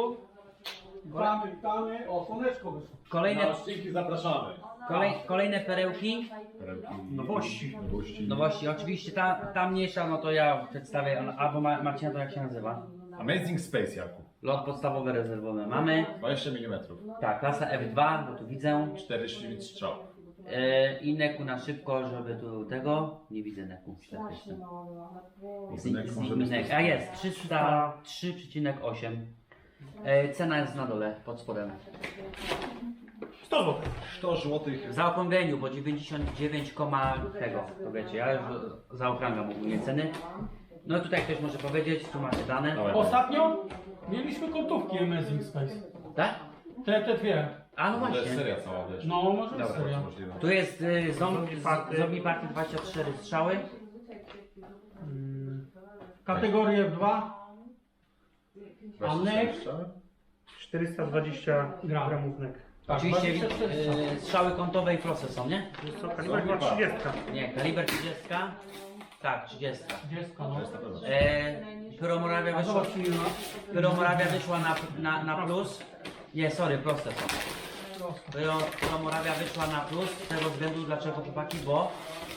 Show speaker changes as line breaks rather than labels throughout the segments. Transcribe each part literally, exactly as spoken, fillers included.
tu. Witamy, witamy. O, słoneczko wyszło.
Kolejne,
Na odcinki zapraszamy.
kolej, kolejne perełki.
Nowości.
Nowości.
Nowości, oczywiście ta, ta mniejsza, no to ja przedstawię, albo Ma- Marcina, to jak się nazywa?
Amazing Space, Jakub.
Lot podstawowy, rezerwowy mamy.
dwadzieścia milimetrów.
Tak, klasa F dwa, bo tu widzę.
czterdzieści strzał.
E, I neku na szybko, żeby tu tego. Nie widzę neku. Z, z, z, nek. A jest, trzysta trzy przecinek osiem. E, cena jest na dole, pod spodem.
sto złotych.
sto złotych.
W zaokrągleniu, bo dziewięćdziesiąt dziewięć, tego, to wiecie, ja już zaokrągam ogólnie ceny. No tutaj ktoś może powiedzieć, tu macie dane.
Dawaj.
Ostatnio mieliśmy kątówki Amazing Space.
Tak?
Te, te dwie.
A no
To jest
właśnie.
seria cała, wiesz.
No, może
Dobra.
jest seria.
Możliwe.
Tu jest y, zombie, zombie Party dwadzieścia cztery strzały.
Kategoria F dwa.
dwadzieścia
Anek.
strzały?
czterysta dwadzieścia
Gram.
gramów nek.
Tak,
Oczywiście
dwadzieścia cztery.
y, strzały kątowe i proste są, nie?
Jest to kaliber ma trzydzieści.
Nie, kaliber trzydzieści. Tak, trzydzieści.
Dziecko, no.
To jest na pewno.
E, Pyromorawia
A
wyszła,
zobacz silna.
Pyromorawia wyszła na, na, na plus. Nie, sorry, proste są. Pyro, Pyromorawia wyszła na plus z tego względu, dlaczego chłopaki, bo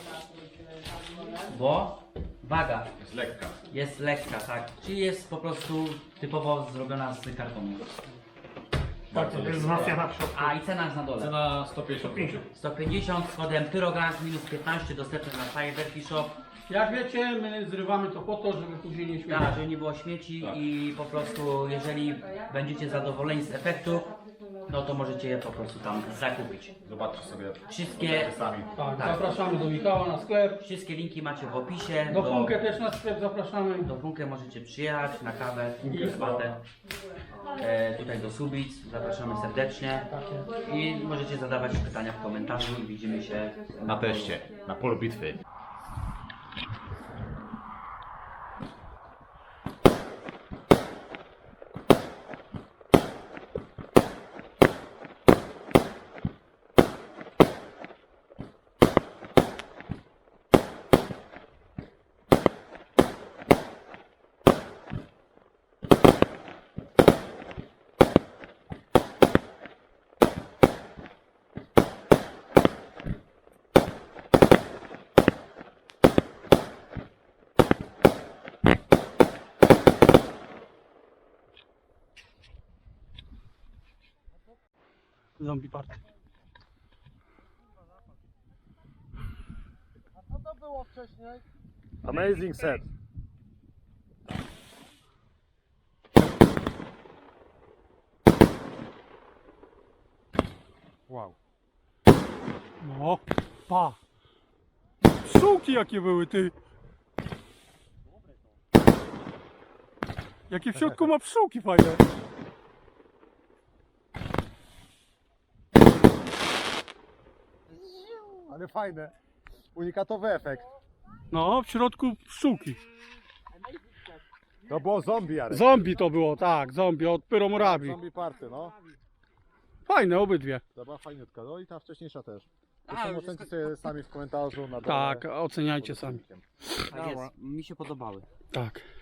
bo waga
Jest lekka.
jest lekka, tak, czyli jest po prostu typowo zrobiona z kartonu.
Tak, to jest wzmacniana w środku.
A i cena jest na dole.
Cena sto pięćdziesiąt złotych.
sto pięćdziesiąt z kodem Pyrogang minus piętnaście dostępny na Cyberki Shop.
Jak wiecie, my zrywamy to po to, żeby później nie śmiewać.
Tak, żeby nie było śmieci
Tak.
i po prostu jeżeli będziecie zadowoleni z efektu, no to możecie je po prostu tam zakupić.
Zobaczcie sobie.
Wszystkie,
Sami.
Tak,
Tak.
zapraszamy do Michała na sklep.
wszystkie linki macie w opisie.
Do Funkę też na sklep zapraszamy.
do Funkę możecie przyjechać na kawę, herbatę. E, tutaj do Subic, zapraszamy serdecznie. I możecie zadawać pytania w komentarzu i widzimy się
Na teście. Na polu bitwy.
Zombie Party.
Amazing set. Wow.
No, pa. Pszczółki jakie były, ty. Jakie w środku ma pszczółki fajne.
Ale fajne. Unikatowy efekt.
No, w środku pszczółki.
To było zombie, Jarek.
Zombie to było, tak, zombie od Pyromorabii.
Zombie party, no.
Fajne obydwie.
To była fajniutka. No i ta wcześniejsza też.
A,
Zresztą
już
ocencie
jest-
sobie sami w komentarzu na dole.
Tak, oceniajcie sami.
Tak jest, mi się podobały.
Tak.